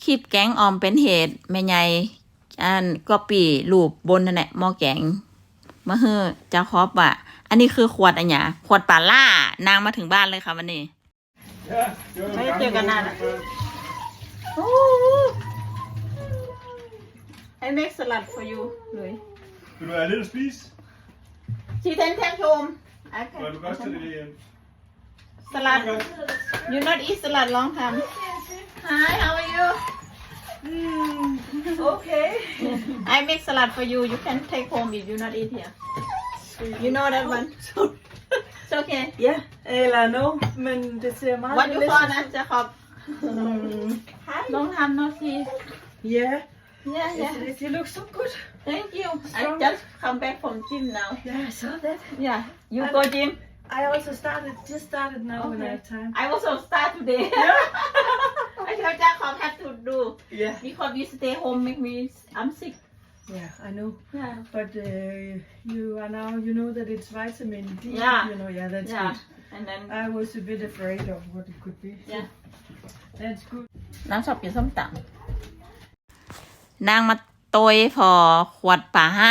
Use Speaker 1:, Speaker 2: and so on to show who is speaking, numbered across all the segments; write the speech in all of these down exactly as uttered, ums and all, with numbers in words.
Speaker 1: ลิปแกงออมเป็นเหตุแม่ใหญ่อันก็ปีรูปบนนั่นแหละหม้อแกงมาเฮ้อจะครอบว่าอันนี้คือขวดอันหยาขวดปลาล่านางมาถึงบ้านเลยค่ะวันนี้ไม่เจอกันนานอ่ะโอ้ I make salad for you เลย
Speaker 2: Vil du have lidt at spise?
Speaker 1: She can take home I can
Speaker 2: Nå, du kan også tage det hjem.
Speaker 1: salad you not eat salad long time Hi how are you
Speaker 3: Mm, okay.
Speaker 1: I make salad for you you can take home if you not eat here you know that one it's okay
Speaker 3: Ja, eller no, men det ser meget
Speaker 1: what you
Speaker 3: delicious.
Speaker 1: for นะจะขอบ
Speaker 3: Mm,
Speaker 1: ลองทำเนาะสิ
Speaker 3: yeah,
Speaker 1: yeah yeah
Speaker 3: it, it looks so good.
Speaker 1: thank you I just come back from gym now
Speaker 3: Yeah, I saw that.
Speaker 1: yeah you go gym
Speaker 3: I also started, just started now when I have time.
Speaker 1: I also start today I tell จ้าขอบ have to do
Speaker 3: Yeah,
Speaker 1: because you stay home make me I'm sick
Speaker 3: yeah, I know.
Speaker 1: yeah
Speaker 3: But uh, you are now, you know that it's vitamin D.
Speaker 1: Yeah.
Speaker 3: You know, yeah, that's
Speaker 1: yeah
Speaker 3: good.
Speaker 1: and then
Speaker 3: I was a bit afraid of what it could be.
Speaker 1: yeah
Speaker 3: That's good.
Speaker 1: นางชอบกินส้มตำนางมาโตยพอขวดป่าห้า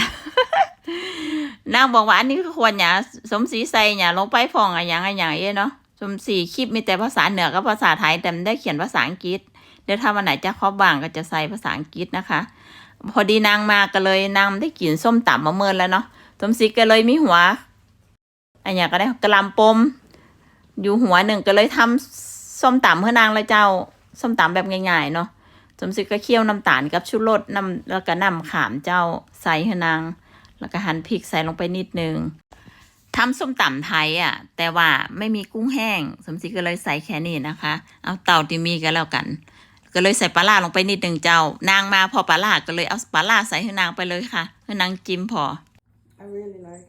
Speaker 1: นางบอกว่าอันนี้คือขวดหยาสมศรีใส่หยาลงไปฟองอะไรอย่างอะไรอย่างเงี้ยเนาะสมศรีคลิปมีแต่ภาษาเหนือกับภาษาไทยแต่ไม่ได้เขียนภาษาอังกฤษเดี๋ยวถ้าวันไหนจะครอบบ้างก็จะใส่ภาษาอังกฤษนะคะ พอดีนางมาก็เลยนางได้กินส้มตำมาเมินแล้วเนาะสมศรีก็เลยมีหัวอันอย่างก็ได้กระลำปมอยู่หัวหนึ่งก็เลยทำส้มตำเพื่อนางเลยเจ้าส้มตำแบบง่ายๆเนาะสมศรีก็เคี่ยวน้ำตาลกับชูรสน้ำแล้วก็น้ำขามเจ้าใส่ให้นางแล้วก็หั่นพริกใส่ลงไปนิดนึงทำส้มตำไทยอ่ะแต่ว่าไม่มีกุ้งแห้งสมศรีก็เลยใส่แค่นี้นะคะเอาเต่าที่มีก็แล้วกันก็เลยใส่ปลาล่าลงไปนิดหนึ่งเจ้านางมาพอปลาล่าก็เลยเอาปลาล่าใส่ให้นางไปเลยค่ะให้นางจิ้มพอ
Speaker 3: I really like.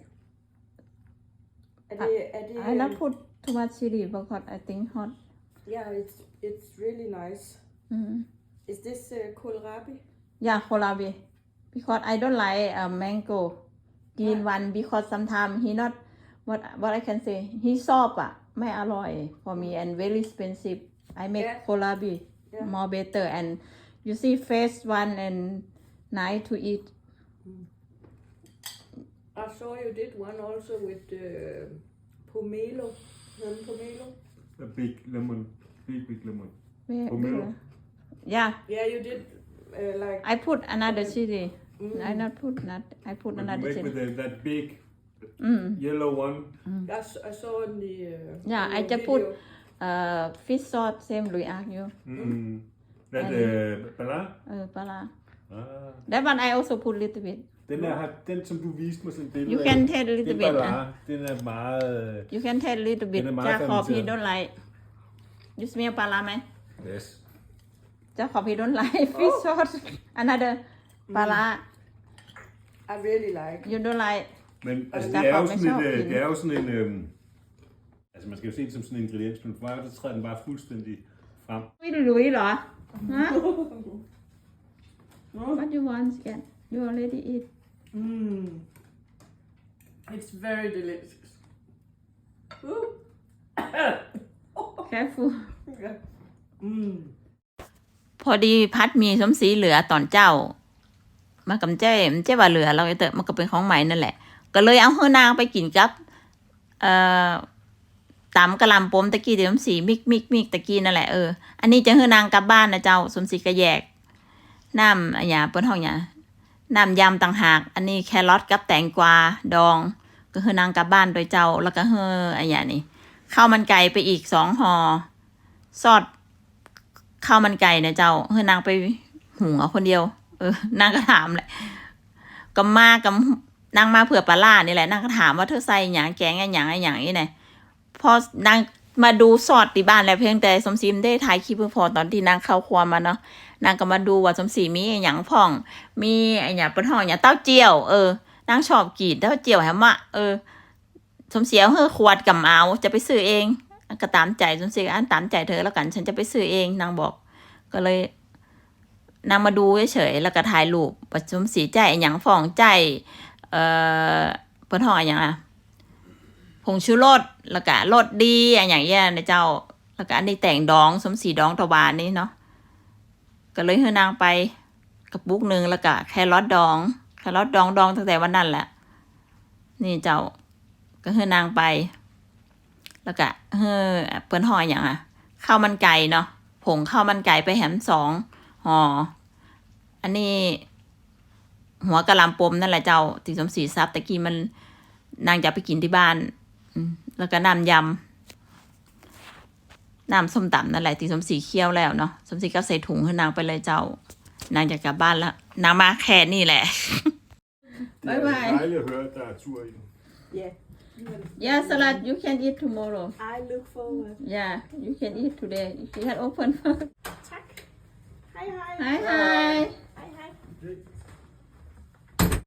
Speaker 3: Er det, er det,
Speaker 1: I not put too much chili because I think hot
Speaker 3: Yeah, it's it's really nice.
Speaker 1: mm.
Speaker 3: Is this uh, kohlrabi?
Speaker 1: yeah kohlrabi because I don't like uh, mango green one because sometimes he not what what I can say he soft อ่ะไม่อร่อย for me and very expensive I make
Speaker 3: Yeah.
Speaker 1: kohlrabi
Speaker 3: Yeah.
Speaker 1: more better and you see fresh one and nice to eat
Speaker 3: I saw you did one also with uh, pomelo. Lemon pomelo.
Speaker 2: A big lemon. Big, big lemon.
Speaker 1: Where-
Speaker 2: Pomelo.
Speaker 1: where? yeah
Speaker 3: Yeah, you did uh, like.
Speaker 1: I put another chili
Speaker 3: Mm.
Speaker 1: I not put not I put
Speaker 2: But you
Speaker 1: another
Speaker 2: make
Speaker 1: chili
Speaker 2: with the, that big
Speaker 1: mm.
Speaker 2: yellow one.
Speaker 3: I, s- I saw in the. Uh,
Speaker 1: Yeah,
Speaker 3: in
Speaker 1: I
Speaker 3: the
Speaker 1: just put
Speaker 3: video.
Speaker 1: uh, fish sauce same Louis ask you
Speaker 2: Mm. That
Speaker 1: And-
Speaker 2: uh, bala?
Speaker 1: เออปลาร้า
Speaker 2: Ah.
Speaker 1: that one I also put little bit
Speaker 2: Den der, har- den som du viste mig sådan et billede
Speaker 1: you
Speaker 2: af,
Speaker 1: can taste a little
Speaker 2: det
Speaker 1: bit
Speaker 2: er
Speaker 1: uh,
Speaker 2: bala. Den er meget...
Speaker 1: you can taste a little bit
Speaker 2: เป็นไม้
Speaker 1: จะขอ
Speaker 2: fermenteret
Speaker 1: พี่ don't like you smell ปลาร้าไหม
Speaker 2: Yes.
Speaker 1: จะขอพี่ don't like fish sauce another ปลาร้า
Speaker 3: I really like.
Speaker 1: you don't like
Speaker 2: Men altså,
Speaker 1: der
Speaker 2: det er jo
Speaker 1: kommer
Speaker 2: sådan,
Speaker 1: sjov
Speaker 2: et, øh,
Speaker 1: ind.
Speaker 2: det er jo sådan en... Øhm, altså, man skal jo se det som sådan en ingrediens, men for mig, så træder den bare fuldstændig frem.
Speaker 1: ไม่รู้เหรอฮะ what you want again you already eat
Speaker 3: Mm. It's very delicious. Ooh.
Speaker 1: careful
Speaker 3: Yeah. Mm.
Speaker 1: พอดีพัดมีสมศรีเหลือตอนเจ้า มากำเจ้มันเจ้ว่าเหลือเราเตอะมันก็เป็นของใหม่นั่นแหละ ก็เลยเอาเฮือนางไปกินกับเอ่อตำกะหล่ำปมตะกี้เดี๋ยวสมศรีมิกมิกมิกตะกี้นั่นแหละเอออันนี้จะเฮือนางกลับบ้านนะเจ้าสมศรีก็แยกน้ำอะไรเปิ้นห้องหยาน้ำยำต่างหากอันนี้แครอทกับแตงกวาดอง ก็เฮือนางกลับบ้านโดยเจ้าแล้วก็เฮืออะไรอย่างนี้ข้าวมันไก่ไปอีกสองห่อซอสข้าวมันไก่นะเจ้าเฮือนางไปหุงเอาคนเดียวเออนางก็ถามแหละก็มากับนางมาเผื่อปลาล่านี่แหละนางก็ถามว่าเธอใส่หยังแกงอะไรหยังอะไรหยังนี่ไงพอนางมาดูสอดที่บ้านแล้วเพียงแต่สมศรีไม่ได้ถ่ายคลิปเพื่อพอตอนที่นางเข้าครัวมาเนาะนางก็มาดูว่าสมศรีมีหยังพ่องมีไอ้หยังเป็นห้องหยังเต้าเจี้ยวเออนางชอบกินเต้าเจี้ยวแฮมะเออสมศรีเอาเฮือขวดกับเอาจะไปซื้อเองก็ตามใจสมศรีอันตามใจเธอแล้วกันฉันจะไปซื้อเองนางบอกก็เลยนางมาดูเฉยๆแล้วก็ถ่ายรูปประชุมสีใจอหย่างฟองใจเอ่อเปิ้นห้องอหย่างอ่ะผงชูรสแล้วก็รสดีอหย่างเงี้ยนะเจ้าแล้วก็อันนี้แต่งดองสมสีดองตะวันนี่เนาะก็เลยให้นางไปกระปุกหนึ่งแล้วก็แครอทดองแครอทดองดองตั้งแต่วันนั้นแหละนี่เจ้าก็ให้นางไปแล้วก็เฮ้อเปิ้นห่ออย่างอ่ะข้าวมันไก่เนาะผงข้าวมันไก่ไปแหมสองห่ออันนี้หัวกะหล่ำปมนั่นแหละเจ้าที่สมศรีทรัพย์ตะกี้มันนางจะไปกินที่บ้านแล้วก็น้ำยำน้ำส้มตำนั่นแหละที่สมศรีเคี่ยวแล้วเนาะสมศรีก็ใส่ถุงให้นางไปเลยเจ้านางจะกลับบ้านแล้วนางมาแค่นี่แหละ
Speaker 2: Det er
Speaker 1: Bye bye.
Speaker 2: dejligt at høre, at der er tur i.
Speaker 3: Yeah. Men
Speaker 1: Yeah, salad you can eat tomorrow.
Speaker 3: I look forward.
Speaker 1: Yeah, you can eat today. She had open.
Speaker 3: Tak. Hej hej.
Speaker 1: Hi hi.
Speaker 3: Hej hej.